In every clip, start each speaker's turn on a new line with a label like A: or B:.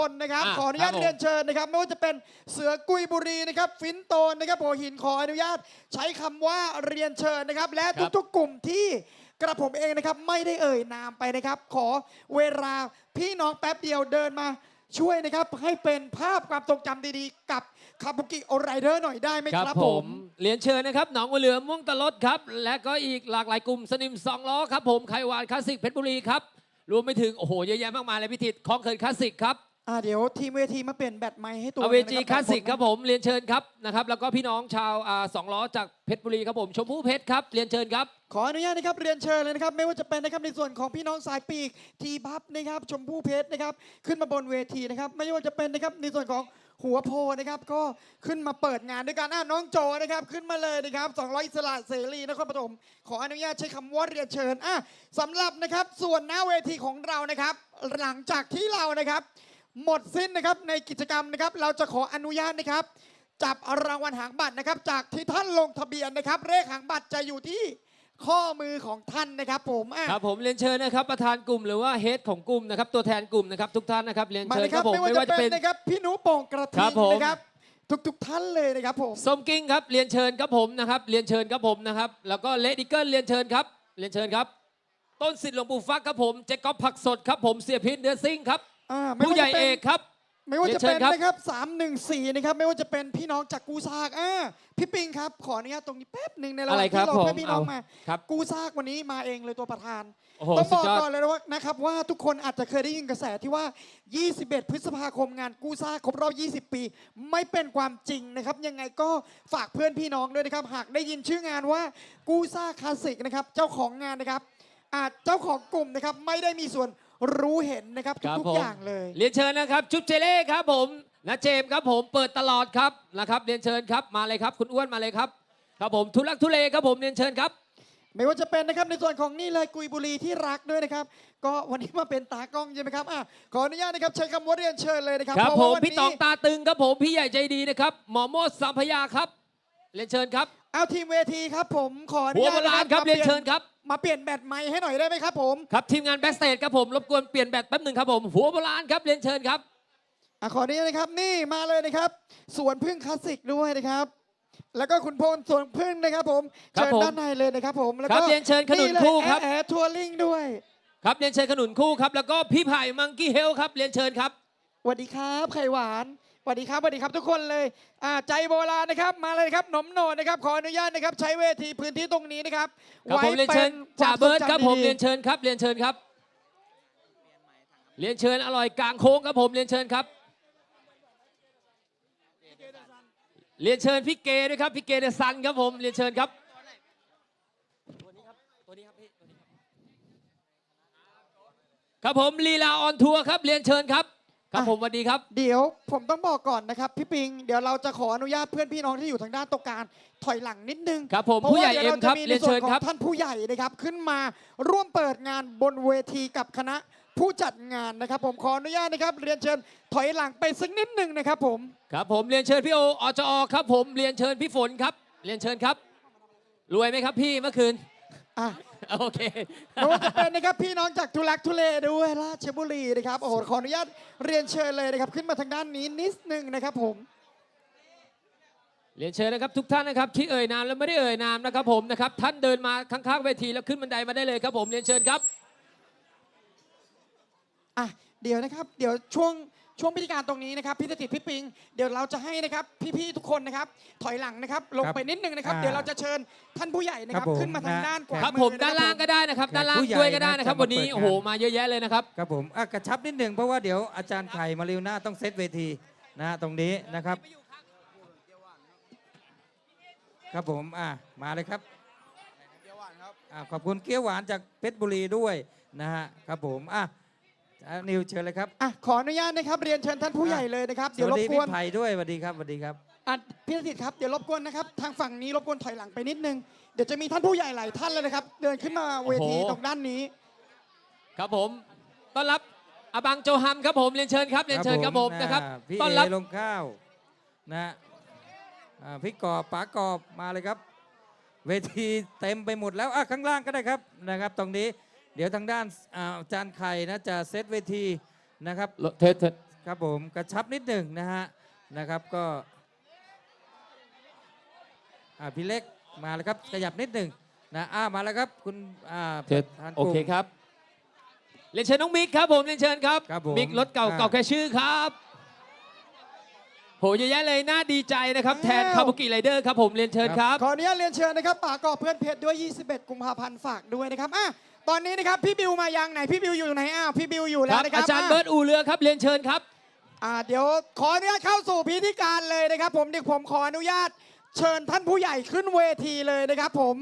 A: นะครับขออนุญาตเรียนเชิญนะครับไม่ว่าจะเป็นเสือกุยบุรีนะครับฟินโตนนะครับหัวหินขออนุญาตใช้คำว่าเรียนเชิญนะครับและทุกๆกลุ่มที่กระผมเองนะครับไม่ได้เอ่ยนามไปนะครับขอเวลาพี่น้องแป๊บเดียวเดินมาช่วยนะครับให้เป็นภาพความทรงจำดีๆกับคาบุกิโอไรเดอร์หน่อยได้ไหมครับผม
B: เรียนเชิญนะครับหนองบัวเหลือม่วงตะลดครับและก็อีกหลากหลายกลุ่มสนิมสองล้อครับผมไขวานคลาสสิกเพชรบุรีครับรวมไปถึงโอ้โหเยอะแยะมากมายเลยพิธีคลองเขินคลาสสิกครับ
A: เดี๋ยวทีมเวทีมาเปลี่ยนแบตไมค์ให้ตัว
B: เวทีคลาสสิกครับผมเรียนเชิญครับนะครับแล้วก็พี่น้องชาวสองล้อจากเพชรบุรีครับผมชมพู่เพชรครับเรียนเชิญครับ
A: ขออนุญาตนะครับเรียนเชิญเลยนะครับไม่ว่าจะเป็นนะครับในส่วนของพี่น้องสายปีกทีพับนะครับชมพู่เพชรนะครับขึ้นมาบนเวทีนะครับไม่ว่าจะเป็นนะครับในส่วนของหัวโพนะครับก็ขึ้นมาเปิดงานด้วยกันน้องโจนะครับขึ้นมาเลยนะครับ200อิสระเสรีนครปฐมขออนุญาตใช้คำว่าเรียนเชิญสำหรับนะครับส่วนหน้าเวทีของเรานะครับหลังจากที่เรานะครับหมดสิ้นนะครับในกิจกรรมนะครับเราจะขออนุญาตนะครับจับรางวัลหางบัตรนะครับจากที่ท่านลงทะเบียนนะครับเลขหางบัตรจะอยู่ที่ข้อมือของท่านนะครับผม
B: ครับผมเรียนเชิญนะครับประธานกลุ่มหรือว่าเฮดของกลุ่มนะครับตัวแทนกลุ่มนะครับทุกท่านนะครับเรียนเชิญครับผม
A: ไม่ว่าจะเป็นนะครับพี่หนูโป่งกระทิงนะครับทุกท่านเลยนะครับผม
B: ส้มกิ้งครับเรียนเชิญครับผมนะครับเรียนเชิญครับผมนะครับแล้วก็เลดิเกิลเรียนเชิญครับเรียนเชิญครับต้นสิทธิ์หลวงปู่ฟักครับผมเจ๊ก๊อฟผักสดครับผมเสียพิษเนื้อซิ่งครับผู้ใหญ่เอกครับ
A: ไม่ว่าจะเป็นนะครับ314นะครับไม่ว่าจะเป็นพี่น้องจากกูซากพี่ปิงครับขออนุญาตตรงนี้แป๊บหนึ่งในระหว่างที่เราให้พี่น้องมากูซากวันนี้มาเองเลยตัวประธานต้องบอกก่อนเลยว่านะครับว่าทุกคนอาจจะเคยได้ยินกระแสที่ว่า21พฤษภาคมงานกูซากครบรอบ20ปีไม่เป็นความจริงนะครับยังไงก็ฝากเพื่อนพี่น้องด้วยนะครับหากได้ยินชื่องานว่ากูซาคลาสสิกนะครับเจ้าของงานนะครับเจ้าของกลุ่มนะครับไม่ได้มีส่วนรู้เห็นนะครับทุกอย่างเลย
B: เรียนเชิญนะครับชุดเจเล่ครับผมนะเจมครับผมเปิดตลอดครับนะครับเรียนเชิญครับมาเลยครับคุณอ้วนมาเลยครับครับผมทุลักทุเลครับผมเรียนเชิญครับ
A: ไม่ว่าจะเป็นนะครับในส่วนของนี่เลยกุยบุรีที่รักด้วยนะครับก็วันนี้มาเป็นตากล้องใช่ไหมครับขออนุญาตนะครับใช้คำว่าเรียนเชิญเลยนะครับ
B: ครับผมพี่ตองตาตึงครับผมพี่ใหญ่ใจดีนะครับหมอโมดสัมพยาครับเรียนเชิญครับ
A: เอาทีมเวทีครับผมขออนุญาต
B: ครับเรียนเชิญครับ
A: มาเปลี่ยนแบตไมค์ให้หน่อยได้ไหมครับผม
B: ครับทีมงานแบ็กสเตจครับผมรบกวนเปลี่ยนแบตแป๊บหนึ่งครับผมหัวโบราณครับเรียนเชิญครับ
A: ขออนุญาตนะครับนี่มาเลยนะครับสวนพึ่งคลาสสิกด้วยนะครับแล้วก็คุณพลสวนพึ่งนะครับผมเชิญด้านในเลยนะครับผม
B: แล้วก็เรียนเชิญขนุนคู่ครับ
A: แอร์ทัวริงด้วย
B: ครับเรียนเชิญขนุนคู่ครับแล้วก็พี่ไผ่มังกี้เฮลครับเรียนเชิญครับ
A: สวัสดีครับไข่หวานสวัสดีครับสวัสดีครับทุกคนเลยใจโบราณนะครับมาเลยครับหนมโหนดนะครับขออนุญาตนะครับใช้เวทีพื้นที่ตรงนี้นะครับ
B: ไว้เป็นจ่าเบิร์ดครับผมเรียนเชิญครับเรียนเชิญครับเรียนเชิญอร่อยกลางโค้งครับผมเรียนเชิญครับเรียนเชิญพี่เกด้วยครับพี่เกเดซันครับผมเรียนเชิญครับครับผมลีลาออนทัวร์ครับเรียนเชิญครับครับผมสวัสดีครับ
A: เดี๋ยวผมต้องบอกก่อนนะครับพี่ปิงเดี๋ยวเราจะขออนุญาตเพื่อนพี่น้องที่อยู่ทางด้านตรงกลางถอยหลังนิดนึง
B: ครับผมผู้ใหญ่เอ็มครับเรียนเชิญครับ
A: ท่านผู้ใหญ่นะครับขึ้นมาร่วมเปิดงานบนเวทีกับคณะผู้จัดงานนะครับผมขออนุญาตนะครับเรียนเชิญถอยหลังไปสักนิดนึงนะครับผม
B: ครับผมเรียนเชิญพี่โอจอครับผมเรียนเชิญพี่ฝนครับเรียนเชิญครับรวยไหมครับพี่เมื่อคืนโอเค
A: ไม่ว่าจะเป็นนะครับพี่น้องจากทุลักทุเลด้วยราชบุรีนะครับโอ้โหขออนุญาตเรียนเชิญเลยนะครับขึ้นมาทางด้านนี้นิดนึงนะครับผม
B: เรียนเชิญนะครับทุกท่านนะครับที่เอ่ยนามและไม่ได้เอ่ยนามนะครับผมนะครับท่านเดินมาข้างๆเวทีแล้วขึ้นบันไดมาได้เลยครับผมเรียนเชิญครับ
A: เดี๋ยวนะครับเดี๋ยวช่วงพิธีการตรงนี้นะครับพี่ติดพี่ปิงเดี๋ยวเราจะให้นะครับพี่ๆทุกคนนะครับถอยหลังนะครับลงไปนิดนึงนะครับเดี๋ยวเราจะเชิญท่านผู้ใหญ่นะครับขึ้นมาทางด้านขวา
B: ครับผมด้านล่างก็ได้นะครับด้านล่างด้วยก็ได้นะครับวันนี้โอ้โหมาเยอะแยะเลยนะครับ
C: ครับผมกระชับนิดหนึ่งเพราะว่าเดี๋ยวอาจารย์ไข่มาริวหน้าต้องเซตเวทีนะตรงนี้นะครับครับผมมาเลยครับขอบคุณเกี๊ยวหวานจากเพชรบุรีด้วยนะฮะครับผมนิวเชิญเลยครับ
A: ขออนุญาตนะครับเรียนเชิญท่านผู้ใหญ่เลยนะครับเดี๋ยวรบกวน
C: พี่ไผ่ด้วยสวัสดีครับสวัสดีครับ
A: พี่ติดครับเดี๋ยวรบกวนนะครับทางฝั่งนี้รบกวนถอยหลังไปนิดนึงเดี๋ยวจะมีท่านผู้ใหญ่หลายท่านเลยนะครับเดินขึ้นมาเวทีตรงด้านนี้
B: ครับผมต้อนรับอบังโจฮัมครับผมเรียนเชิญครับเรียนเชิญครับผมนะครับ
C: ต้อนรับลงข้าวนะพี่กอบป๋ากอบมาเลยครับเวทีเต็มไปหมดแล้วข้างล่างก็ได้ครับนะครับตรงนี้เดี๋ยวทางด้านอาจารย์ไข่นะจะเซตเวทีนะครับครับผมกระชับนิดหนึ่งนะฮะนะครับก็พี่เล็กมาแล้วครับขยับนิดหนึ่งนะมาแล้วครับคุณป
B: เชิญ
C: ระธานก
B: โอ
C: ลุ่ม
B: เคครับเรียนเชิญน้องมิกครับผมเรียนเชิญครับ
C: ครับผม
B: มิกรถเก่า
C: อ่า
B: เก่าแค่ชื่อครับโหเยอะแยะเลยน่าดีใจนะครับแทน
A: อ้าว
B: คาบุกิไรเดอร์ครับผมเรียนเชิญครับ
A: ขออนุญาตเรียนเชิญนะครับป่ากอบเพื่อนเพชรด้วย 21 กุมภาพันธ์ฝากด้วยนะครับตอนนี้นะครับพี่บิวมายังไหนพี่บิวอยู่ไหนพี่บิวอยู่
B: ค
A: แล้ว
B: รับ
A: นะครับ
B: อาจารย์เบิร์ตอูเรือครับเรียนเชิญครับ
A: เดี๋ยวขออนุญาตเข้าสู่พิธีการเลยนะครับผมเดี๋ยวผมขออนุญาตเชิญท่านผู้ใหญ่ขึ้นเวทีเลยนะครับผม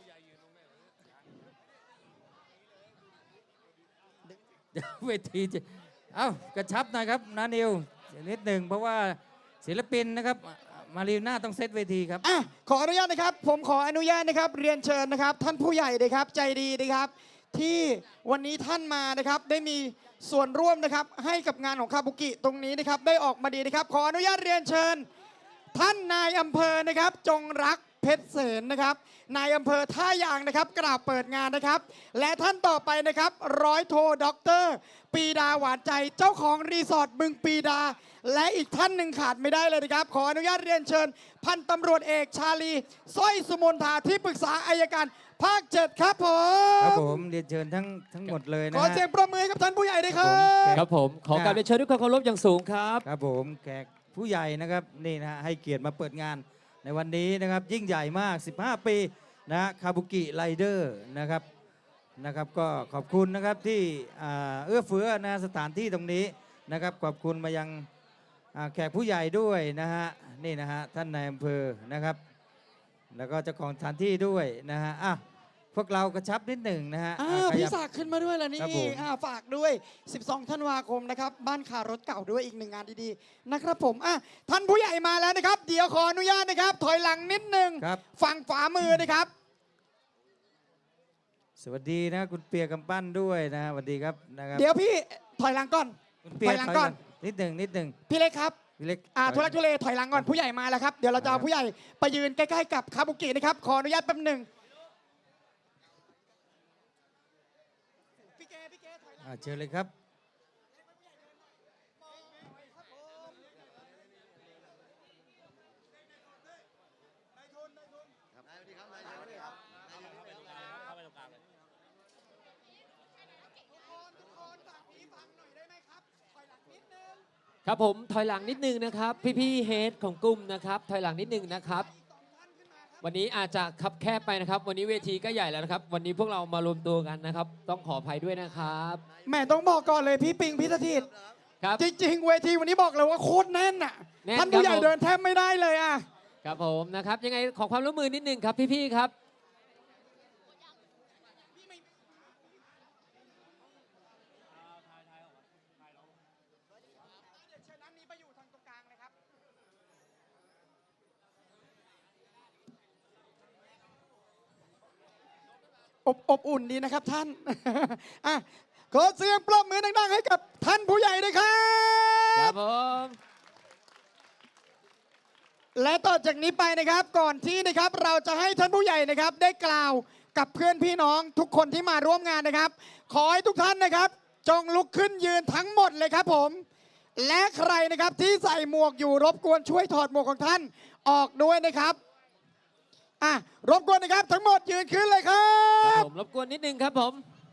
C: เวทีจะกระชับหนะครับนานิวนิดหนึ่งเพราะว่าศิลปินนะครับมารีน่าต้องเซตเวทีครับ
A: ขออนุญาตนะครับผมขออนุญาตนะครับเรียนเชิญนะครับท่านผู้ใหญ่นะครับใจดีนะครับที่วันนี้ท่านมานะครับได้มีส่วนร่วมนะครับให้กับงานของคาบุกิตรงนี้นะครับได้ออกมาดีนะครับขออนุญาตเรียนเชิญ ท่านนายอำเภอนะครับจงรักเพชรเสนนะครับนายอำเภอท่ายางนะครับกราบเปิดงานนะครับ และท่านต่อไปนะครับร้อยโทด็อกเตอร์ปีดาหวานใจเจ้าของรีสอร์ทบึงปีดา และอีกท่านหนึ่งขาดไม่ได้เลยนะครับ ขออนุญาตเรียนเชิญ พันตำรวจเอกชาลีสร้อยสุมนทาที่ปรึกษาอายการภาค 7 ครับผ
C: ครับ
A: ม
C: ผมเรียนเชิญทั้งหมดเลยนะ
A: ขอ
C: ฮะ
A: เสียงประมือให้กับท่านผู้ใหญ่ด้วยครั
B: ครับ บผมขอการเรียนเชิญด้วยความเคารพอย่างสูงครับ
C: ครับผมแขกผู้ใหญ่นะครับนี่นะฮะให้เกียรติมาเปิดงานในวันนี้นะครับยิ่งใหญ่มาก 15 ปีนะฮะคาบุกิไรเดอร์นะครับก็ขอบคุณนะครับที่เอื้อเฟื้อนะสถานที่ตรงนี้นะครับขอบคุณมายังแขกผู้ใหญ่ด้วยนะฮะนี่นะฮะท่านนายอำเภอนะครับ แล้วก็เจ้าของสถานที่ด้วยนะฮะพวกเรากระชับนิดหนึ่งนะฮะข
A: พี่
C: ยับ
A: ศักดิ์ขึ้นมาด้วยแล้วนี่
C: ครับผม
A: ฝากด้วย 12 ธันวาคมนะครับบ้านคารถเก่าด้วยอีกหนึ่งงานดีๆนะครับผมท่านผู้ใหญ่มาแล้วนะครับ เดี๋ยวขออนุญาตนะครับ ถอยหลังนิดนึง
C: ครับ
A: ฝั่งขวามือนะครับ
C: สวัสดีนะคุณเปียกำปั้นด้วยนะสวัสดีครับนะครับ
A: เดี๋ยวพี่ถอยหลังก่อน
C: คุณเปีย
A: ถอยหลังก่อน
C: นิดหนึ่ง
A: พี่เล็กครับ
C: พี่เล็ก
A: ทุลักทุเลถอยหลังก่อนผู้ใหญ่มาแล้วครับเดี๋ยวเราจะเอาผู้ใหญ่ไปยืนใกล้ๆกับคาบุกินะครับขออนุญาตแป๊บหนึ่งพี่เกถอยหลัง
C: เชิญเลยครับ
B: ครับผมถอยหลังนิดนึงนะครับพี่ๆเฮดของกลุ่มนะครับถอยหลังนิดนึงนะครับวันนี้อาจจะคับแคบไปนะครับวันนี้เวทีก็ใหญ่แล้วนะครับวันนี้พวกเรามารวมตัวกันนะครับต้องขออภัยด้วยนะครับ
A: แหม่ต้องบอกก่อนเลยพี่ปิงพี่สถิต
B: ครับ
A: จริงๆเวทีวันนี้บอกเลยว่าโคตรแน่นอ่ะ
B: แน่น
A: ท่านผู้ใหญ่
B: ครับผม
A: เดินแทบไม่ได้เลยอ่ะ
B: ครับผมนะครับยังไงขอความร่วมมือนิดนึงครับพี่ๆครับ
A: อบอุ่นดีนะครับท่าน ขอเสียงปรบมือดังๆให้กับท่านผู้ใหญ่ด้วยครั
B: ครับ บผม
A: และต่อจากนี้ไปนะครับก่อนที่นะครับเราจะให้ท่านผู้ใหญ่นะครับได้กล่าวกับเพื่อนพี่น้องทุกคนที่มาร่วมงานนะครับ ขอให้ทุกท่านนะครับ จงลุกขึ้นยืนทั้งหมดเลยครับผม และใครนะครับที่ใส่หมวกอยู่รบกวนช่วยถอดหมวกของท่านออกด้วยนะครับรบกวนนะครับทั้งหมดยืนขึ้นเลยครั
B: ครับ บผมรบกวนนิดนึงครับผม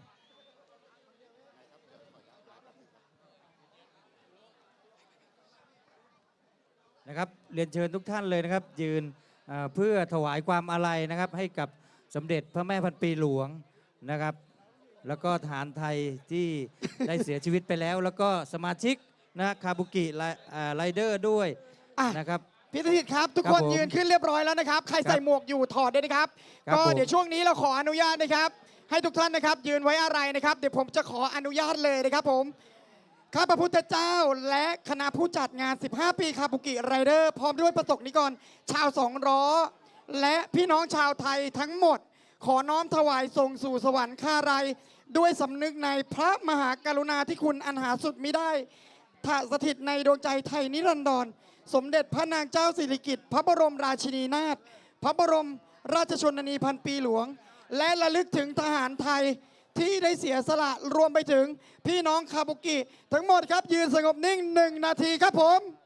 C: นะครับเรียนเชิญทุกท่านเลยนะครับ ยืนเพื่อถวายความอาลัยนะครับ ให้กับสมเด็จพระแม่พันปีหลวงนะครับ แล้วก็ทหารไทยที่ ได้เสียชีวิตไปแล้ว แล้วก็สมาชิกนะคาบุกิไรเดอร์ด้วย
A: อ่ะ
C: นะครับ
A: พี่ธนิตครับทุก
C: ครับ
A: คน
C: ผม
A: ยืนขึ้นเรียบร้อยแล้วนะครับ ใครใส่หมวกอยู่ถอดด้วยนะครับ
C: ครับ
A: ก็
C: ผม
A: เดี๋ยวช่วงนี้เราขออนุญาตนะครับ ให้ทุกท่านนะครับ ยืนไว้อะไรนะครับ เดี๋ยวผมจะขออนุญาตเลยนะครับผมข้าพระพุทธเจ้าและคณะผู้จัดงาน 15 ปีคาบุกิไรเดอร์พร้อมด้วยประสบนิกรชาวสองล้อและพี่น้องชาวไทยทั้งหมด ขอน้อมถวายส่งสู่สวรรค์ข้าไรด้วยสำนึกในพระมหากรุณาธิคุณอันหาสุดมิได้ถ้าสถิตในดวงใจไทยนิรันดร สมเด็จพระนางเจ้าสิริกิติ์พระบรมราชินีนาถพระบรมราชชนนีพันปีหลวง และระลึกถึงทหารไทยที่ได้เสียสละรวมไปถึงพี่น้องคาบุกิ ทั้งหมดครับยืนสงบนิ่ง1 นาทีครับผม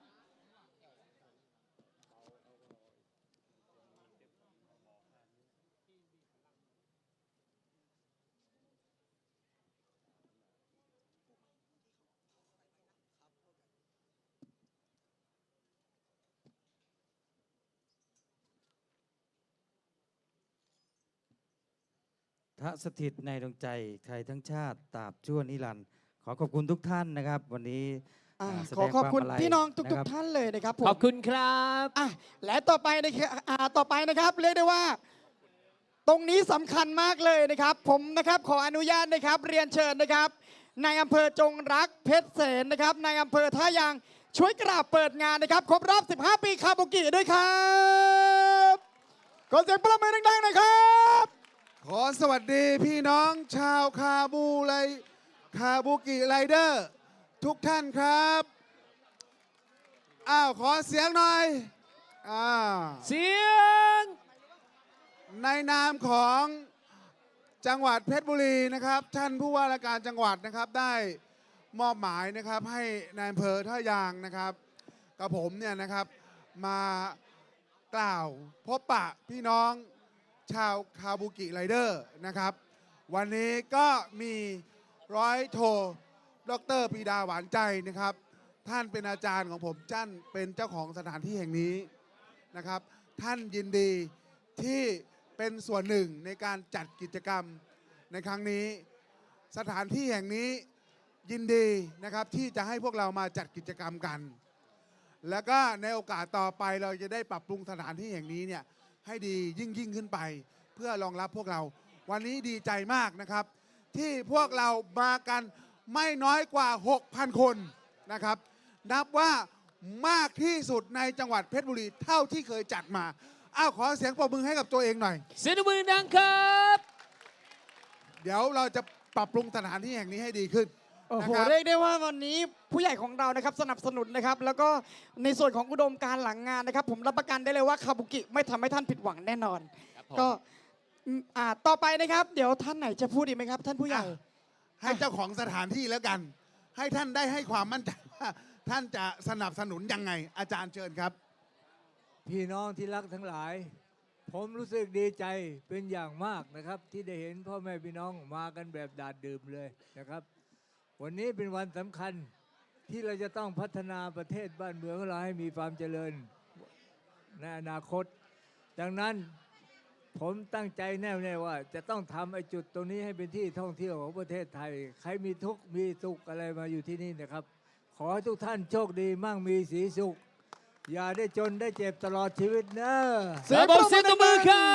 C: ทสถิตในดวงใจไทยทั้งชาติตราบชั่วนิรันดร์ขอขอบคุณทุกท่านนะครับ วันนี้แส
A: ข
C: ด
A: อง ขอบคุณ
C: วามาลัย
A: พี่น้องทุ
C: ะ
A: ก
C: ครับ
A: ๆท่านเลยนะครับผม
B: ขอบคุณครับ
A: และต่อไปนะครับเรียกได้ว่า ตรงนี้สำคัญมากเลยนะครับ ผมนะครับขออนุญาตนะครับเรียนเชิญนะครับในายอำเภอจงรักเพชรเสนนะครับในายอำเภอท่ายางช่วยกราบเปิดงานนะครับครบรอบ 15 ปีคาบุกิด้วยครับขอเสียงปรบมือดังๆหน่อยครับ
D: ขอสวัสดีพี่น้องชาวคาบุกิไรเดอร์ทุกท่านครับอ้าวขอเสียงหน่อยอ่า
B: เสียง
D: ในนามของจังหวัดเพชรบุรีนะครับ ท่านผู้ว่าราชการจังหวัดนะครับได้มอบหมายนะครับให้นายอำเภอท่ายางนะครับกับผมเนี่ยนะครับมากล่าวพบปะพี่น้องชาวคาบุกิไรเดอร์นะครับ วันนี้ก็มีร้อยโทดรปรีดาหวานใจนะครับ ท่านเป็นอาจารย์ของผมท่านเป็นเจ้าของสถานที่แห่งนี้นะครับ ท่านยินดีที่เป็นส่วนหนึ่งในการจัดกิจกรรมในครั้งนี้ สถานที่แห่งนี้ยินดีนะครับที่จะให้พวกเรามาจัดกิจกรรมกัน แล้วก็ในโอกาสต่อไปเราจะได้ปรับปรุงสถานที่แห่งนี้เนี่ยให้ดียิ่งขึ้นไป เพื่อรองรับพวกเราวันนี้ดีใจมากนะครับ ที่พวกเรามากันไม่น้อยกว่า 6,000 คนนะครับ นับว่ามากที่สุดในจังหวัดเพชรบุรีเท่าที่เคยจัดมาอ้าวขอเสียงปรบมือให้กับตัวเองหน่อย
B: เสียงมือดังครับ
D: เดี๋ยวเราจะปรับปรุงสถานที่แห่งนี้ให้ดีขึ้น
A: โอ้
D: นะ
A: โห
D: ครับ
A: เรียกได้ว่าวันนี้ผู้ใหญ่ของเรานะครับสนับสนุนนะครับ แล้วก็ในส่วนของอุดมการณ์หลังงานนะครับ ผมรับประกันได้เลยว่าคาบุกิไม่ทำให้ท่านผิดหวังแน่นอน ก็ต่อไปนะครับ เดี๋ยวท่านไหนจะพูดอีกไหมครับ ท่านผู้ใหญ่
D: ให้เจ้าของสถานที่แล้วกัน ให้ท่านได้ให้ความมั่นใจว่าท่านจะสนับสนุนยังไง อาจารย์เชิญครับ
E: พี่น้องที่รักทั้งหลาย ผมรู้สึกดีใจเป็นอย่างมากนะครับ ที่ได้เห็นพ่อแม่พี่น้องมากันแบบดาดดื่มเลยนะครับ วันนี้เป็นวันสำคัญที่เราจะต้องพัฒนาประเทศบ้านเมืองของเราให้มีความเจริญในอนาคต ดังนั้นผมตั้งใจแน่วแน่ว่าจะต้องทำไอ้จุดตรงนี้ให้เป็นที่ท่องเที่ยวของประเทศไทย ใครมีทุกข์มีสุขอะไรมาอยู่ที่นี่นะครับ ขอให้ทุกท่านโชคดีมั่งมีสีสุข อย่าได้จนได้เจ็บตลอดชีวิตเนอะ
A: เสียง
B: ระ
A: ป
B: บ
A: ร
B: บบ เสี
A: มื
B: ย
A: อง
B: ตบมือครับ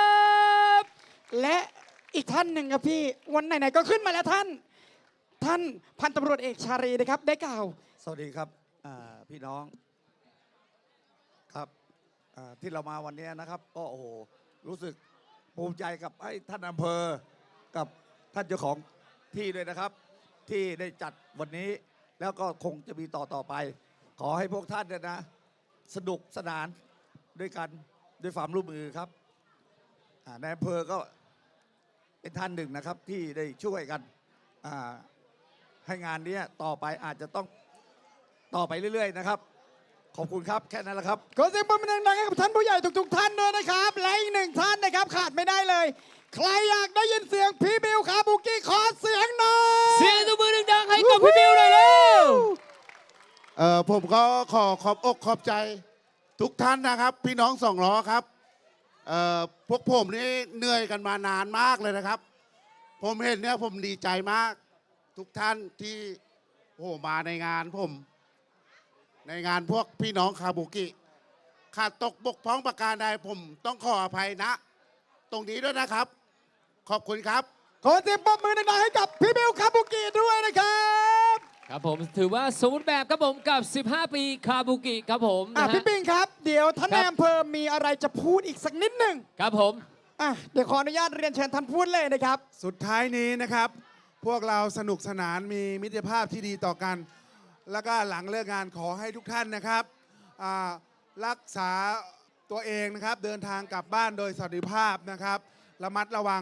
A: และอีกท่านหนึ่งครับพี่วันไหนๆก็ขึ้นมาแล้วท่านพันตำรวจเอกชารีนะครับได้กล่าว
F: สวัสดีครับพี่น้องครับที่เรามาวันนี้นะครับ ก็โอ้โหรู้สึกภูมิใจกับให้ท่านอำเภอกับท่านเจ้าของที่ด้วยนะครับ ที่ได้จัดวันนี้แล้วก็คงจะมีต่อไป ขอให้พวกท่านเนี่ยนะสนุกสนานด้วยกันด้วยความร่วมมือครับในอำเภอก็เป็นท่านหนึ่งนะครับที่ได้ช่วยกันให้งานนี้ต่อไปอาจจะต้องต่อไปเรื่อยๆนะครับ ขอบคุณครับแค่นั้นแหละครับ
A: ขอเสียงปรบมือดังๆให้กับท่านผู้ใหญ่ทุกๆท่านด้วยนะครับ และอีกหนึ่งท่านนะครับขาดไม่ได้เลย ใครอยากได้ยินเสียงพี่บิวคาบุกิขอเสียงหน่อย
B: เสียงตบมือดังๆให้กับพี่บิวหน่อยเร็ว
D: ผมก็ขอบอกขอบใจทุกท่านนะครับ พี่น้องสองล้อครับพวกผมนี่เหนื่อยกันมานานมากเลยนะครับ ผมเห็นเนี่ยผมดีใจมาก ทุกท่านที่มาในงานผมในงานพวกพี่น้องคาบุกิขาดตกบกพร่องประการใดผมต้องขออภัยนะ ตรงนี้ด้วยนะครับ ขอบคุณครับ
A: ขอเสียงปรบมือดังๆให้กับพี่บิวคาบุกิด้วยนะครับ
B: ครับผมถือว่าสมบูรณ์แบบครับผมกับ 15 ปีคาบุกิครับผมนะฮะ
A: พี่ปิงครับเดี๋ยวท่าน
B: ครั
A: นาย
B: บ
A: อำเภอมีอะไรจะพูดอีกสักนิดหนึ่ง
B: ครับผม
A: เดี๋ยวขออนุญาตเรียนเชิญท่านพูดเลยนะครับ
D: สุดท้ายนี้นะครับ พวกเราสนุกสนานมีมิตรภาพที่ดีต่อกัน แล้วก็หลังเลิกงานขอให้ทุกท่านนะครับรักษาตัวเองนะครับ เดินทางกลับบ้านโดยสวัสดิภาพนะครับระมัดระวัง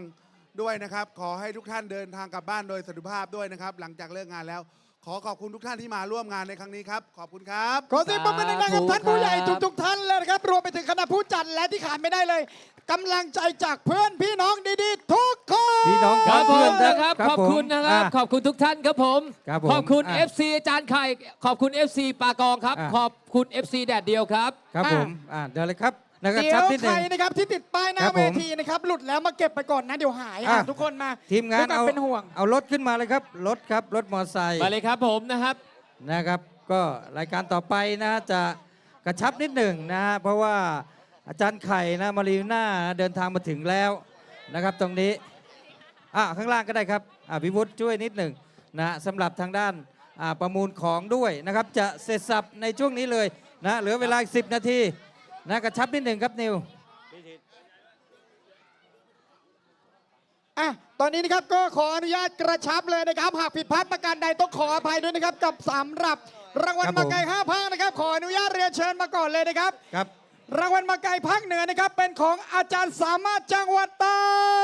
D: ด้วยนะครับ ขอให้ทุกท่านเดินทางกลับบ้านโดยสวัสดิภาพด้วยนะครับ หลังจากเลิกงานแล้ว ขอขอบคุณทุกท่านที่มาร่วมงานในครั้งนี้ครับ ขอบคุณครับ
A: ขอเสียงปรบมือดังๆกับท่านผู้ใหญ่ทุกๆท่านเลยนะครับ รวมไปถึงคณะผู้จัดและที่ขาดไม่ได้เลยกำลังใจจากเพื่อนพี่น้องดีๆ ทุกคน
C: พี่น้อง
B: ครับผ
C: เพื่อ
B: ม
C: น
B: นะครับ ขอบคุณนะครับ ขอบคุณทุกท่านครับผม
C: ครับผม
B: ขอบคุณ
C: อ่ะ
B: FC อาจารย์ไข่ ขอบคุณ FC ปากองครับ
C: อ่ะ
B: ขอบคุณ FC แดดเดียวครับ
C: ครับผมเดี๋ยวเลยครับนะครับ
A: เดี๋ย
C: ชับ
A: ว
C: นิดห
A: ใคร
C: นึ่ง
A: นะครับที่ติดป้ายหน้า
C: ครับ
A: เว
C: ผม
A: ทีนะครับหลุดแล้วมาเก็บไปก่อนนะเดี๋ยวหาย
C: อ่ะ
A: ทุกคนมา
C: ทีมงาน
A: ด้วยคว
C: เอา
A: เป็นห่วง
C: เอารถขึ้นมาเลยครับรถครับรถมอเตอร์ไซค์
B: มาเลยครับผมนะครับ
C: นะครับ ก็รายการต่อไปนะจะกระชับนิดหนึ่งนะฮะเพราะว่าอาจารย์ไข่นะมารีน่าเดินทางมาถึงแล้วนะครับ ตรงนี้ข้างล่างก็ได้ครับพิวุฒิช่วยนิดหนึ่งนะสำหรับทางด้านประมูลของด้วยนะครับ จะเสร็จสับในช่วงนี้เลยนะเหลือเวลาอีก10 นาทีนะกระชับนิดหนึ่งครับนิว
A: ตอนนี้นะครับก็ขออนุญาตกระชับเลยนะครับ หากผิดพลาดประการใดต้องขออภัยด้วยนะครับกับสำหรับรางวัล
C: ครับ
A: มา
C: ผม
A: ไกล5ภาคนะครับ ขออนุญาตเรียนเชิญมาก่อนเลยนะครับ
C: ครับ
A: รางวัลมาไกลภาคเหนือนะครับเป็นของอาจารย์สามารถจังหวัดตาก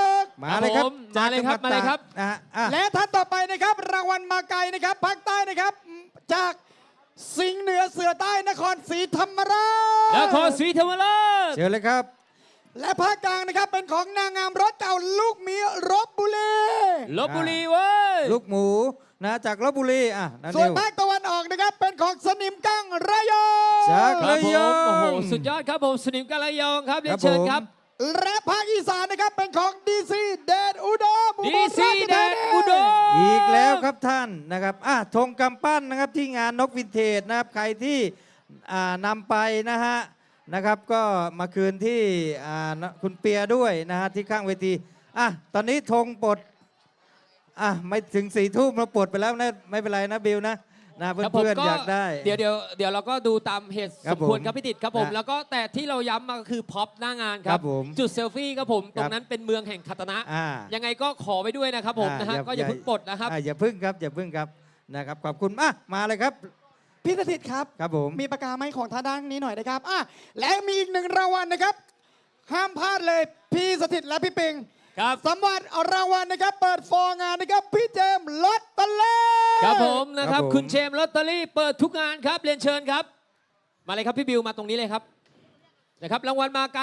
C: มาเลยครับ
B: ผมมาเลยครับ
C: จกจังหวัด
B: มาเลยครับ
C: ตกนะฮะ
A: และท่านต่อไปนะครับ รางวัลมาไกลนะครับภาคใต้นะครับ จากสิงห์เหนือเสือใต้นครศรีธรรมราช
B: นครศรีธรรมราช
C: เชิญเลยครับ
A: และภาคกลางนะครับเป็นของนางงามรถเก่าลูกหมีรบบุรี
B: ลบบุรีเว้ย
C: ลูกหมูนะจากลบบุรีนั่น
A: ส่วน
C: นิว
A: ภาคตะวันออกนะครับเป็นของสนิมกั้งระยอง
C: จาก
B: ครับ
C: ระ
B: ผ
C: ยอ
B: ม
C: ง
B: โอ้โห สุดยอดครับผม สนิมกาลยองครับ เรียนเชิญครับ
A: และภาคอีสานนะครับเป็นของดีซีเดดอุดมอุบล
B: ดีซี
A: ราช
B: แด
A: ธาน นี
B: อุดม
C: อีกแล้วครับท่านนะครับธงกำปั้นนะครับที่งานนกวินเทจนะครับใครที่นำไปนะครับก็มาคืนที่คุณเปียด้วยนะฮะที่ข้างเวทีตอนนี้ธงปลดไม่ถึง4 ทุ่มเราปลดไปแล้วนะไม่เป็นไรนะบิวนะเ
B: ครับผม
C: พื่อนๆอยากได้
B: เดี๋ยวเราก็ดูตามเหตุ
C: ครั
B: ส
C: บ
B: มควร
C: ผม
B: ครับพี่ติดครับผม
C: นะ
B: แล้วก็แต่ที่เราย้ำมาก็คือพ็อปหน้างานค
C: ค
B: รั
C: รับ บผม
B: จุดเซลฟี่ครับผมตร
C: ครั
B: ง
C: บ
B: นั้นเป็นเมืองแห่งคัตนะ
C: อ่า
B: ยังไงก็ขอไว้ด้วยนะครับผมนะฮะก็อย่าเพิ่งปลดนะครับ
C: อย่าพึ่งครับอย่าพึ่งครับนะครับขอบคุณมาเลยครับ
A: พี่สถิตครับ
C: ครับผม
A: มีประกาไม้ของท่านด้านนี้หน่อยนะครับและมีอีกหนึ่งรางวัลนะครับ ห้ามพลาดเลยพี่สถิตและพี่ปิง
B: ครับ
A: สำหรับรางวัลนะครับ เปิดฟอร์งานนะครับ พี่เจมส์ลอตเตอรี่
B: ครับผมนะครับ
C: ครับผม
B: คุณเชมส์ลอตเตอรี่เปิดทุกงานครับเรียนเชิญครับ มาเลยครับพี่บิวมาตรงนี้เลยครับนะครับรางวัลมาไกล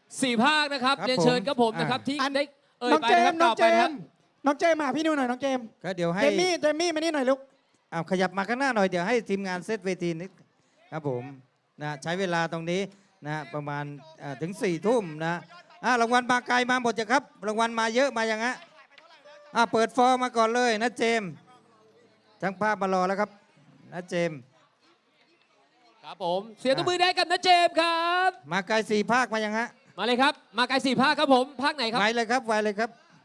B: 4 ภาคนะครับ
C: ครับ
B: เรียนเชิญ
C: ผม
B: ครับผมนะครับที่
A: อัน
B: ได้เอ่ย
A: น้อง
B: ไป
A: เจ
B: นะครับ
A: มส์น้
B: ต่
A: อง
B: อ
A: เจ
B: ไปนะครับ
A: มส์น้องเจมส์มาหาพี่นิวหน่อยน้องเจมส์
C: ก็เดี๋ยวให้
A: เจมมี่มานี่หน่อยลูก
C: ขยับมาข้างหน้าหน่อยเดี๋ยวให้ทีมงานเซตเวทีนิดครับผมใช้เวลาตรงนี้ประมาณถึง4 ทุ่มรางวัลมาไกลมาหมดจ้ะครับรางวัลมาเยอะมาอย่างฮะเปิดฟอร์มาก่อนเลยนะเจมส์ทั้งภาพมารอแล้วครับนะเจมส์
B: ครับผมเสียงตบมือได้กับนะเจมส์ครับ
C: มาไกล4 ภาคมายังฮะ
B: มาเลยครับมาไกล4 ภาคครับผมภาคไหนครับ
C: ไวเลยครับไวเลยครับ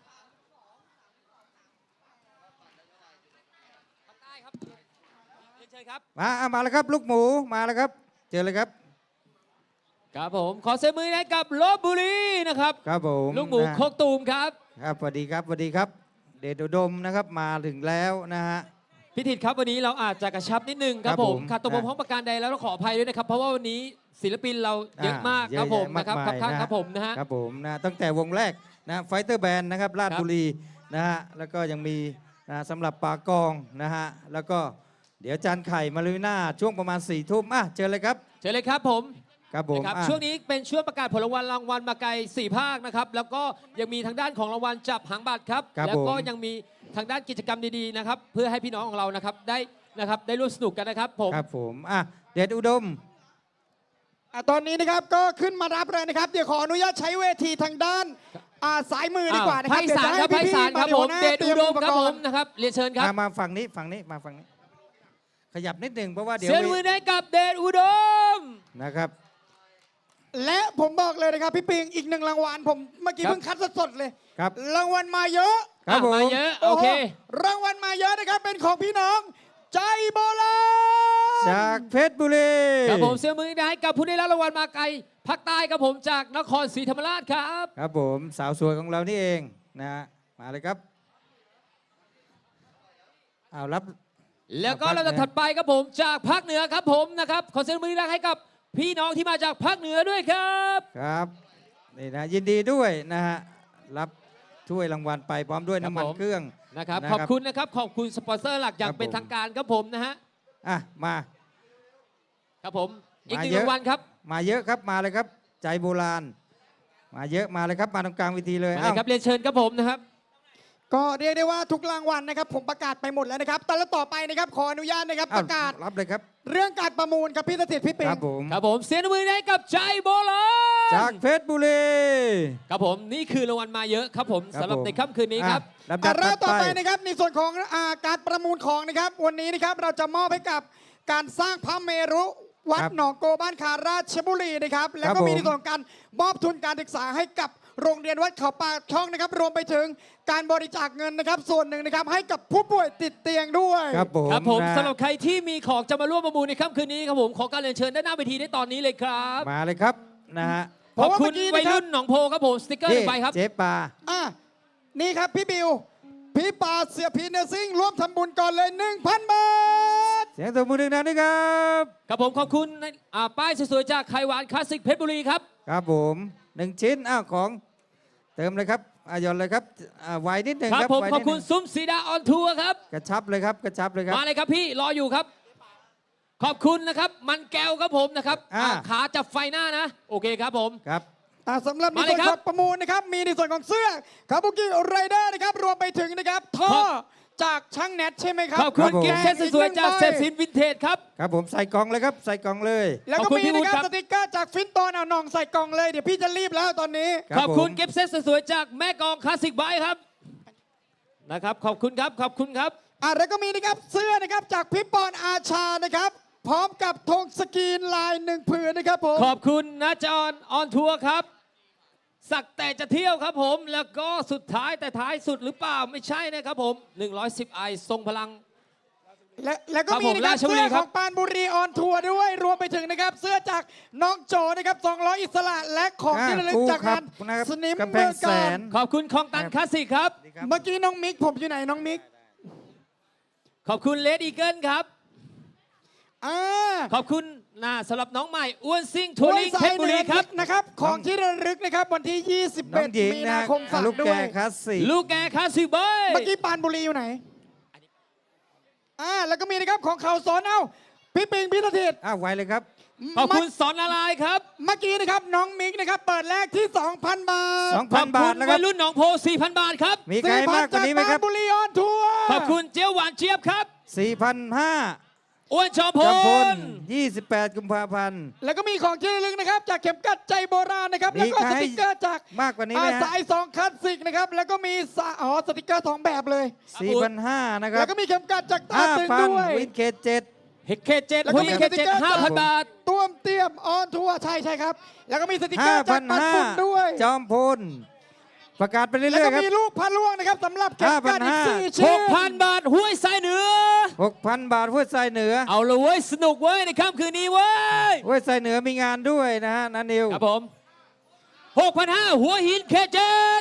B: ภาคใต้ครับเรียนเชิญครับ
C: มาแล้วครับลูกหมูมาแล้วครับเจอเลยครับ
B: ครับผมขอเสียงมือให้กับลบบุรีนะครับ
C: ครับผม
B: ลูกหมูโคกตูมครับ
C: ครับสวัสดีครับสวัสดีครับ เดชอุดมนะครับมาถึงแล้วนะฮะ
B: พิธีครับวันนี้เราอาจจะกระชับนิดนึงครับ
C: ครับ
B: ผ
C: ผม ม
B: ขาดตัวบกพร่องประการใดแล้วเราขออภัยด้วยนะครับเพราะว่าวันนี้ศิลปินเราเยอะมากครับผม
C: เยอะแยะ
B: นะครับ
C: มาก
B: ครับ
C: มาย
B: ข้าง
C: นะ
B: ครับผมนะฮะ
C: ครับผมตั้งแต่วงแรกไฟเตอร์แบนด์นะครับราช
B: ครับ
C: บุรีนะฮะแล้วก็ยังมีสำหรับปากองนะฮะแล้วก็เดี๋ยวจานไข่มาลุยหน้าช่วงประมาณ4 ทุ่มเจอเลยครับ
B: เชิญเลยครับผม
C: ครับผม
B: นะครับช่วงนี้เป็นช่วงประกาศผลรางวัลมาไกล4 ภาคนะครับแล้วก็ยังมีทางด้านของรางวัลจับหางบัตรครับ
C: ครับ
B: แล้วก็
C: ผม
B: ยังมีทางด้านกิจกรรมดีๆนะครับเพื่อให้พี่น้องของเรานะครับได้ร่วมสนุกกันนะครับผม
C: ครับผมเดชอุดม
A: ตอนนี้นะครับก็ขึ้นมารับเลยนะครับ เดี๋ยวขออนุญาตใช้เวทีทางด้านสายมือดีกว่านะค
B: ภา
A: รับ
B: คอีสานครับภาคอีสานครับผมเดชอุดมครับผมนะครับเรียนเชิญครับ
C: มาฝั่งนี้มาฝั่งนี้ ขยับนิดหนึ่งเพราะว่าเดี๋ยว
B: เสียงมือให้กับเดชอุดม
C: นะครับ
A: และผมบอกเลยนะครับพี่ปิงอีกหนึ่งรางวัลผมเมื่อกี้
B: ครับ
A: เพิ่งคัดสดๆเลย
C: ครับ
A: รางวัลมาเยอะ
C: ครับผม
B: มาเยอะโอเค
A: รางวัลมาเยอะนะครับเป็นของพี่น้อง ใจโบราณ
C: จากเพชรบุรี
B: ครับผมเสียงมือให้กับผู้ได้รับรางวัลมาไกลภาคใต้ครับผมจากนครศรีธรรมราชครับ
C: ครับผมสาวสวยของเรานี่เองมาเลยครับรับ
B: แล้วก็
C: ภาค
B: เราจะถัดไปครับผมจากภาคเหนือครับผมนะครับขอเสียงมือให้กับพี่น้องที่มาจากภาคเหนือด้วยครับ
C: ครับนี่ยินดีด้วยรับถ้วยรางวัลไปพร้อมด้วย
B: ครับ
C: น้ำมัน
B: ผม
C: เครื่อง
B: นะครับ
C: นะครับ
B: ขอบคุณนะครับขอบคุณสปอนเซอร์หลักอย่าง
C: ครับ
B: เป็น
C: ผม
B: ทางการครับผมนะฮะ
C: อ่ะมา
B: ครับผมอีก
C: มา
B: หนึ่ง
C: เยอะ
B: รางวัลครับ
C: มาเยอะครับมาเลยครับ ใจโบราณ มาเยอะมาเลยครับมาตรงกลางเวทีเลย
B: มาเลย
C: อ้าว
B: ครับเรียนเชิญครับผมนะครับ
A: ก็เรียกได้ว่าทุกรางวัลนะครับผมประกาศไปหมดแล้วนะครับ แต่ละต่อไปนะครับขออนุญาตนะครับ
C: อ้าว
A: ประกาศ
C: รับเลยครับ
A: เรื่องการประมูลครับพี่สถิตพี่
C: ค
A: ปิง
C: รับผม
B: ครับผมเสียงปรบมือให้กับใจโบราณ
C: จากเพชรบุรี
B: ครับผมนี่คือรางวัลมาเยอะครับผม
C: ครับ
B: สำหรับ
C: ผม
B: ในค่ำคืนนี้ครับ
C: อ่ะลำดับ
A: เริ่
C: ถั
A: ม
C: ด
A: ต่อ
C: ไป
A: ไปนะครับในส่วนของการประมูลของนะครับวันนี้นะครับเราจะมอบให้กับการสร้างพระเมรุวัด
C: ครับ
A: หนองโกบ้านคาราชบุรีนะครับแล้ว
C: ครั
A: ก็
C: บ
A: มี
C: ผม
A: ในส่วนของการมอบทุนการศึกษาให้กับโรงเรียนวัดเขาปากช่องนะครับ รวมไปถึงการบริจาคเงินนะครับ ส่วนหนึ่งนะครับให้กับผู้ป่วยติดเตียงด้วย
C: ครับผม
B: ครับผม
C: นะ
B: สำหรับใครที่มีของจะมาร่วมประมูลในค่ำคืนนี้ครับผมขอการเรียนเชิญด้านหน้าเวทีได้ตอนนี้เลยครับ
C: มาเลยครับนะฮะ
A: เพ
B: ขอบ
A: ราะว่า
B: คุ
A: เมื่
B: ณ
A: อกี้
B: วัย
A: นะครับ
B: รุ่นหนองโพครับผมสติกเกอร์หนึ่งใบครับ
C: เจ๊ปลา
A: อ่ะนี่ครับพี่บิวพี่ปาเสียพีเนอร์ซิ่งร่วมทำบุญก่อนเลย 1,000 บาท
C: เสียงตบมือหนึ่งดังด้วยครับ
B: ครับผมขอบคุณป้ายสวยๆจากไข่หวานคลาสสิกเพชรบุรีครับ
C: ครับผม1 ชิ้นอ้าวของเติมเลยครับหย่อนเลยครับไวนิดหนึ่ง
B: ครับ
C: ครับ
B: ผม
C: ไว
B: ขอ
C: นิ
B: บ
C: ดห
B: คุ
C: นึ่
B: ณ
C: ง
B: ซุ้มสีดาออนทัวร์ครับ
C: กระชับเลยครับกระชับเลยครับ
B: มาเลยครับพี่รออยู่ครับ ขอบคุณนะครับ มันแก้วครับผมนะครับ
C: อ่า
B: ขาจับไฟหน้านะ โอเคครับผม
C: ครับ
A: สำหรับใน
B: มาเล
A: ส่
B: ย
A: วน
B: ค
A: ข
B: รั
A: อบ งประมูลนะครับมีในส่วนของเสื้อคาบุกิไรเดอร์นะครับรวมไปถึงนะครับท่อ
B: ครับ
A: จากช่างแนทใช่ไหมครับ
B: ขอบคุณ
C: ผม
B: กิฟต์เซตสวยๆจากเซฟซินวินเทจครับ
C: ครับผมใส่กล่องเลยครับใส่กล่องเลย
A: แล้ว
B: ข
A: ก็
B: อบคุณ
A: มี
B: พี่วุ
A: นะ
B: ฒิ
A: ครับ
B: ครับ
A: สติกเกอร์จากฟินโตนเอานองใส่กล่องเลยเดี๋ยวพี่จะรีบแล้วตอนนี้
C: รับ
B: ขอบคุณ
C: ผม
B: กิฟต์เซตสวยๆจากแม่กองคลาสสิกไบค์ครับนะครับขอบคุณครับขอบคุณครับ
A: แล้วก็มีนะครับเสื้อนะครับจากพี่ปอนอาชานะครับพร้อมกับธงสกรีนลาย1 ผืนนะครับผม
B: ขอบคุณนะจอนออนทัวร์ครับ สักแต่จะเที่ยวครับผม แล้วก็สุดท้ายแต่ท้ายสุดหรือเปล่าไม่ใช่นะครับผม 110 ไอทรงพลัง
A: และก็มีนะครับ
B: ครับผมราชบุรี
A: เสื้อ
B: ค
A: ข
B: รับ
A: องปานบุรีออนทัวร์ด้วยรวมไปถึงนะครับเสื้อจากน้องโจนะครับ200อิสระและของที่ระลึกจากงาน
C: นะครับ
A: สนิม
C: กำแพ
A: เมือง ง
C: แส
A: การ
C: น
B: ขอบคุณคลองตันคลาสสิกครับ
A: เมื่อกี้น้องมิกผมอยู่ไหนน้องมิก
B: ขอบคุณเลดอีเกิลครับ
A: อ่า
B: ขอบคุณสำหรับน้องใหม่อ้วนซิ่งทัวริงเพชรบุรีครับ
A: นะครับของที่ระลึกนะครับวันที่
C: น้องหญิ
A: 21
C: ง
A: มี
C: นะ
A: นาคมฝาก
C: ลูก
A: ด้
C: แก
A: วย
C: คลาสสิก
B: ลูกแกคลาสสิกเบย
A: เมื่อกี้ปานบุรีอยู่ไหนแล้วก็มีนะครับของเขาสอนเอ้าพี่ปิงพี่สถิต
C: อ้าวไวเลยครับ
B: ขอบคุณสอนอะไรครับ
A: เมื่อกี้นะครับน้องมิกนะครับเปิดแรกที่ 2,000 บาท
B: ขอบ
C: 2,000 บา
B: คุ
C: ท
B: ณ
C: นะค
B: วั
C: รับ
B: ยรุ่นหนองโพ 4,000 บาทครับ
C: มีใครมากกว่านี้ไหมครับ
A: 4,000จากปานบุรีออนทัวร์
B: ขอบคุณเจียวหวานเจี๊ยบครับ
C: 4,500
B: อ้วนชอมพ
C: จำพล
B: ล
C: 28 กุมภาพันธ์
A: แล้วก็มีของที่ระลึกนะครับจากเข็มกัดใจโบราณนะครับ
C: มี
A: แล้วก็
C: ใคร
A: สติกเกอร์จาก
C: มากกว่านี้ไหมฮะ
A: สาย2คลาสสิกนะครับแล้วก็มีสติกเกอร์2แบบเลย
C: 4,500 นะครั
A: แล้
C: บ
A: วก็มีเข็มกัดจากตาตึงด้วย
C: 5,000 วินเคจ7
B: เฮกเคเจ็ด
A: แล้ว
B: หุ
A: ก็
B: ย
A: มี
B: เค
A: สติ๊
B: เจ็
A: ก
B: ด
A: เกอร์
B: 5,000 บาท
A: ต้วมเตี้ยมออนทัวร์ใช่ครับ แล้วก็มีสติกเกอร์จากปันฝุ่นด้วย
C: 5,500 จอมพล ประกาศไปเรื่
A: แล้ว
C: อย
A: ก็
C: ๆครับ
A: มีลูกพระล่วงนะครับสำหรับเข็มกัดอีก
C: 5,500
A: 4 ชิ้น
B: 6,000 บาทห้วยสายเหนือ
C: 6,000 บาทห้วยทรายเหนือ
B: เอาเลยเว้ย สนุกเว้ย ในค่ำคืนนี้เว้ย
C: ห้วยทรายเหนือมีงานด้วยนะฮะนันนิว
B: ครับผม 6,500 หัวหินเคเจ็ด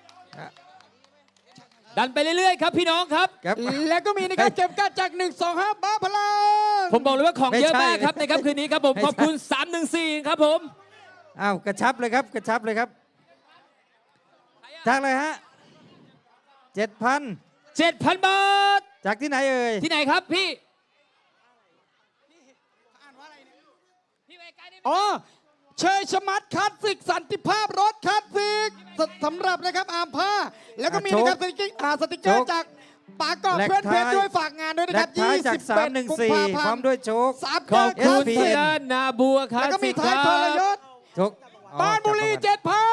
B: ดันไปเรื่อยๆ ครับพี่น้องครับ
C: ครับ
A: แล้วก็มีนะครับเข็มกัดจาก125บ้าพลัง
B: ผมบอกเลยว่าของเยอะ
C: ไม่ใช่
B: มากครับในค่ำคืนนี้ครับผม
C: ไม่ใช่
B: ขอบคุณ 314 ครับผม
C: อ้าวกระชับเลยครับกระชับเลยครับจากเลยฮะ 7,000
B: 7,000 บาท
C: จากที่ไหนเอ่ย
B: ที่ไหนครับพี่
A: อ๋อเชยชมัดคลาสสิกสันติภาพรถคลาสสิกสำหรับนะครับอาร์มผ้า แล้วก็มีนะครับสติกเกอร์จากปากกอบ
C: แลก
A: เพื่อนเพชร
C: ท้าย
A: ด้วยฝากงานด้วยนะ
C: และ
A: ครับ
C: ท้ายจาก
A: 21 กุมภา
C: 314 พ
A: พั
C: ร้อน ม
A: ธ์
C: ด้วยโชค
A: สาม
B: ขอบ
A: เกอ
B: คุณ
A: ร์คลาส
B: เสี
A: สิ
B: ย
A: ก
B: นาบัวครั
A: แล้วก็มี
B: บ
A: ท้ายทรยศ
C: โชคอ๋อ
A: บ้านบุรี
C: จับมา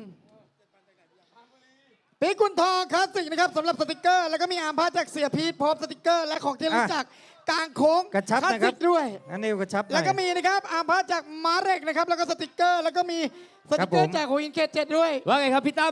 A: 7,000ปีกุลทองคลาสสิกนะครับสำหรับสติกเกอร์ แล้วก็มีอาร์มผ้าจากเสียพีทพร้อมสติกเกอร์ และของที่ระลึกจากกลางโค้ง
C: กระชับ
A: คลาส
C: นะค
A: สิ
C: รับ
A: กด้วย
C: นันนิวกระชับหน่อย
A: แล้วก็มีนะครับอาร์มผ้าจากมาเร็กนะครับแล้วก็สติกเกอร์ แล้วก็มีสติกเกอ
C: ครับผ
A: ร์
C: ม
A: จากหัวหินเค7ด้วย
B: ว่าไงครับพี่ตั้ม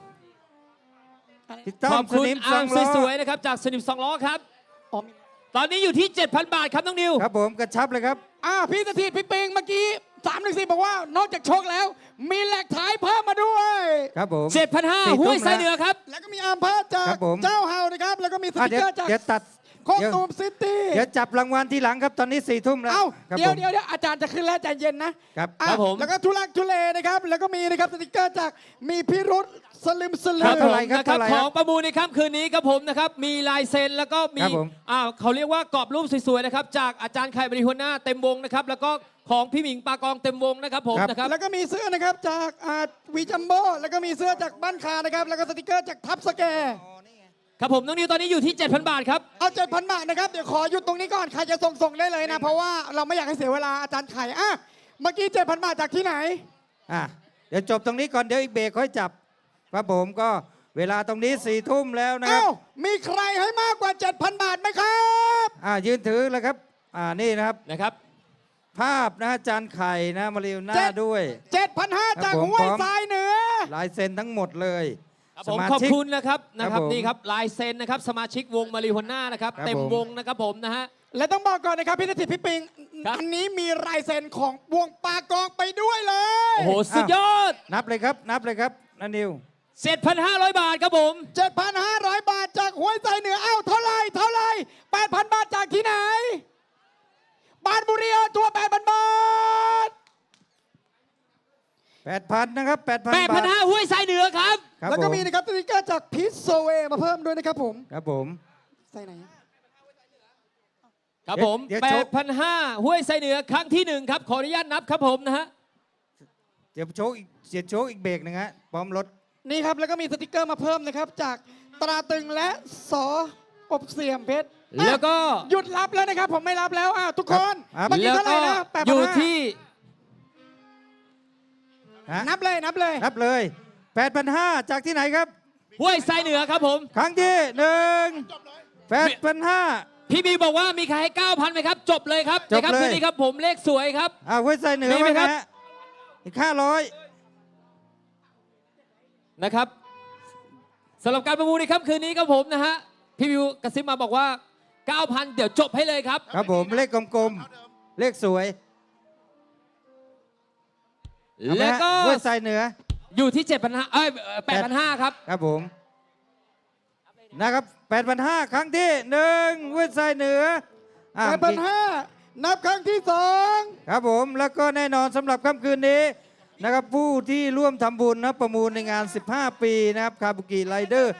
C: พี่ต้อ
B: ขอ
C: ม
B: บ
C: ส
B: คุณ
C: นิมส
B: อา
C: อ
B: ร์
C: ง
B: ม
C: ล้อ
B: สวยๆนะครับจากสนิมสองล้อครับ
A: อ๋อ
B: ตอนนี้อยู่ที่ 7,000 บาทครับน้องนิว
C: ครับผมกระชับเลยครับ
A: พี่สถิตพี่ปิงเมื่อกี้314บอกว่านอกจากโชคแล้ว มีแหลกท้ายเพิ่มมาด้วย
C: ครับผม
B: 7,500 ห้วยสายเหนือครับ
A: แล้วก็มีอาร์มผ้าจาก
C: ครับผม
A: เจ้าเฮานะครับแล้วก็มีส
C: อ่ะ
A: ติก
C: เดี๋ยว
A: เกอร์จาก
C: เดี๋ยวตัด
A: โคกตูมซิตี้
C: เดี๋ยวจับรางวัลทีหลังครับตอนนี้4 ทุ่มแล้ว
A: เอ้า
C: ครับ
A: เดี๋ยว
C: ผม
A: เดี๋ยวอาจารย์จะขึ้นแล้วใจเย็นนะครับ อ่ะ
B: ครับผม
A: แล้วก็ทุลักทุเลนะครับ แล้วก็มีนะครับสติกเกอร์จากมีพิรุษสลึมสลื
B: ครับ
A: อ
B: ผม
C: เท่าไหร่ครับ
B: นะครับ
C: เท่าไหร่
B: ข
C: ครับ
B: องประมูลในค่ำคืนนี้ครับผมนะครับมีลายเซ็นแล้วก็มี
C: ครับผม
B: เขาเรียกว่ากรอบรูปสวยๆนะครับจากอาจารย์ไข่บริหัวหน้าเต็มวงนะครับแล้วก็ของพี่หมิงปากองเต็มวงนะครับผมนะครับ
A: แล้วก็มีเสื้อนะครับจากวีจัมโบ้แล้วก็มีเสื้อจากบ้านคานะครับแล้วก็สติกเกอร์จากทับสแกร์
B: ครับผมน้องนิวตอนนี้อยู่ที่ 7,000 บาทครับ
A: เอา 7,000 บาทนะครับเดี๋ยวขอหยุดตรงนี้ก่อนใครจะส่งได้เลยนะเพราะว่าเราไม่อยากให้เสียเวลาอาจารย์ไข่อ่ะเมื่อกี้ 7,000 บาทจากที่ไหน
C: อ่ะเดี๋ยวจบตรงนี้ก่อนเดี๋ยวอีกเบรกค่อยจับครับผมก็เวลาตรงนี้4 ทุ่มแล้วนะครับ
A: เอ้ามีใครให้มากกว่า 7,000 บาทไหมครับ
C: ยืนถือเลยครับนี่นะครับ
B: นะครับ
C: ภาพนะจานไข่นะมาเรียวหน้าด้วย
A: 7,500 จาก
C: ครับผม
A: ห้วย
C: พร้อม
A: ทรายเหนือ
C: ลายเซ็นทั้งหมดเลย
B: ครับ
C: ส
B: ผม
C: มา
B: ขอบ
C: ชิก
B: คุณนะครับนะครับ
C: ผม
B: นี่ครับลายเซ็นนะครับสมาชิกวงมาริโฮน่านะครับ
C: ครับ
B: เต็ม
C: ผม
B: วงนะครับผมนะฮะ
A: และต้องบอกก่อนนะครับพี่นาทีพี่ปิง
B: ครับ
A: อันนี้มีลายเซ็นของวงปากองไปด้วยเลย
B: โอ้โหสุดยอด
C: นับเลยครับนับเลยครับนันนิว
B: 7,500 บาทครับผม
A: 7,500 บาทจากห้วยทรายเหนือเอ้าเท่าไหร่ 8,000 บาทจากที่ไหนบานบุรีเอาตัว 8,000 บาท
C: 8,000นะครับ8,000 บาท
B: 8,500ห้วยทรายเหนือครับ
C: ครับ
A: แล้วก็
C: ผม
A: มีนะครับสติกเกอร์จากพิซโซเวมาเพิ่มด้วยนะครับผม
C: ครับผม
A: ใส่ไหน
B: ครับผม
C: เดี๋ยวโชว์
B: 8,500ห้วยทรายเหนือครั้งที่ 1 ครับ ขออนุญาตนับครับผมนะฮะ
C: เดี๋ยวโชว์อีกเสียโชว์อีกเบรกหนึงฮะพร้อมรถ
A: นี่ครับแล้วก็มีสติกเกอร์มาเพิ่มนะครับจากตราตึงและสออบเสียมเพชรอ่ะ
B: แล้วก็
A: หยุดรับแล้วนะครับผมไม่รับแล้วทุกคน
C: ครับ
A: เมื่อกี้
B: แล้ว
A: เท่าไห
B: ก็
A: ร่นะ8,500
B: อยู่ที่
C: ฮะ
A: นับเลย
C: นับเลย 8,500 จากที่ไหนครับ
B: ห้วยทรายเหนือครับผม
C: ครั้งที่1 8,500
B: พี่บีบอกว่ามีใครให้ 9,000ไหมครับ จบเลยครับ
C: จบเลย
B: ในค่ำคืนนี้ครับผมเลขสวยครับ
C: ห้วยไซเหนือ
B: มีไหม
C: ว่าไง
B: ครับ
C: ฮะอีก500
B: นะครับสำหรับการประมูลในค่ำคืนนี้ครับผมนะฮะพี่บิวกระซิบมาบอกว่า 9,000 เดี๋ยวจบให้เลยครับ
C: ครับผมเลขกลมๆ เลขสวยเอาไหม
B: แล้ว
C: ฮะ
B: ก็
C: ห้วยไซเหนือ
B: อยู่ที่ 7,5008,500 ครับ
C: ครับผมนะครับ 8,500 ครั้งที่1ห้วยไซเหนืออ่ะ
A: 8,500นับครั้งที่
C: ครับผมแล้วก็แน่นอนสำหรับค่ำคืนนี้นะครับผู้ที่ร่วมทำบุญนะประมูลในงาน 15 ปีนะครับคาบุกิไรเดอร์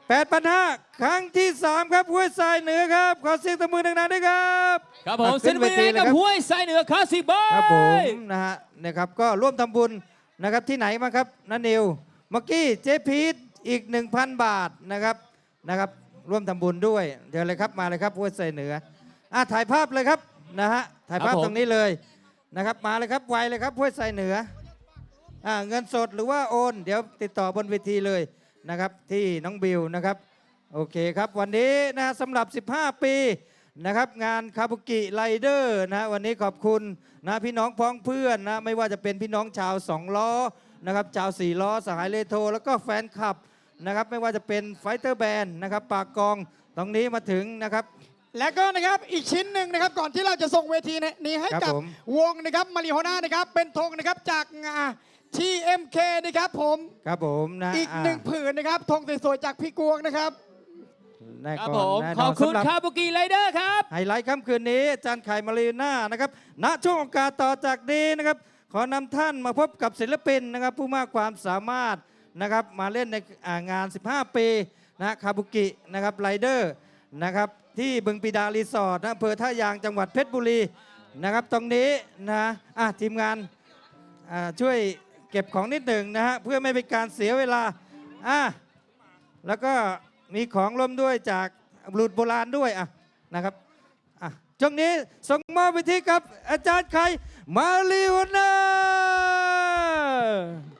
C: 8,500 ครั้งที่ 3 ครับห้วยทรายเหนือครับ ขอเสียงตบมือดังๆด้วยครับ
B: ครับผม
C: อ่ะ
B: เซ็นเวที
C: เลย
B: กับ
C: ครับ
B: ห้วยทรายเหนือคาสิบา
C: ครับผม
B: ย
C: นะฮะนะครับก็ร่วมทำบุญนะครับที่ไหนมาครับนันนิวเมื่อกี้เจ๊พีทอีก 1,000 บาทนะครับร่วมทำบุญด้วยเดี๋ยวเลยครับมาเลยครับห้วยทรายเหนือถ่ายภาพเลยครับนะฮะถ่ายภาพ
B: ครับผม
C: ตรงนี้เลยนะครับมาเลยครับไวเลยครับห้วยทรายเหนือเงินสดหรือว่าโอนเดี๋ยวติดต่อบนเวทีเลยนะครับที่น้องบิวนะครับโอเคครับวันนี้นะสำหรับ 15 ปีนะครับงานคาบุกิไรเดอร์นะวันนี้ขอบคุณนะพี่น้องพ้องเพื่อนนะไม่ว่าจะเป็นพี่น้องชาว2 ล้อนะครับชาว4 ล้อสหายเลโทแล้วก็แฟนคลับนะครับไม่ว่าจะเป็นไฟเตอร์แบนด์นะครับปากกองตรงนี้มาถึงนะครับ
A: 2 และก็นะครับอีกชิ้นหนึ่งนะครับก่อนที่เราจะส่งเวทีนี้ให้
C: ครับ
A: กับ
C: ผม
A: วงนะครับมาริโฮน่านะครับเป็นธงนะครับจากงา TMK นะครับผม
C: ครับผมนะ
A: อีกหนึ่งผืนนะครับธงสวยๆจากพี่กวงนะครับ
C: แน่
B: ครับ
C: ก่อน
B: ผม
C: แน่น
B: ข
C: อ
B: อบ
C: น
B: คุณ
C: สำหรับ
B: คาบุกิไรเดอร์ครับ
C: ไฮไลท์ค่ำคืนนี้อาจารย์ไข่มารีน่านะครับณช่วงโอกาสต่อจากนี้นะครับขอนำท่านมาพบกับศิลปินนะครับผู้มากความสามารถนะครับมาเล่นในงาน 15 ปีนะคาบุกินะครับไรเดอร์นะครับที่บึงปีดารีสอร์ทอำเภอท่ายางจังหวัดเพชรบุรีนะครับตรงนี้นะทีมงานช่วยเก็บของนิดหนึ่งนะฮะเพื่อไม่เป็นการเสียเวลาแล้วก็มีของร่วมด้วยจากบุรุษโบราณด้วยนะครับช่วงนี้ส่งมอบไปที่กับอาจารย์ไข่มาริวนา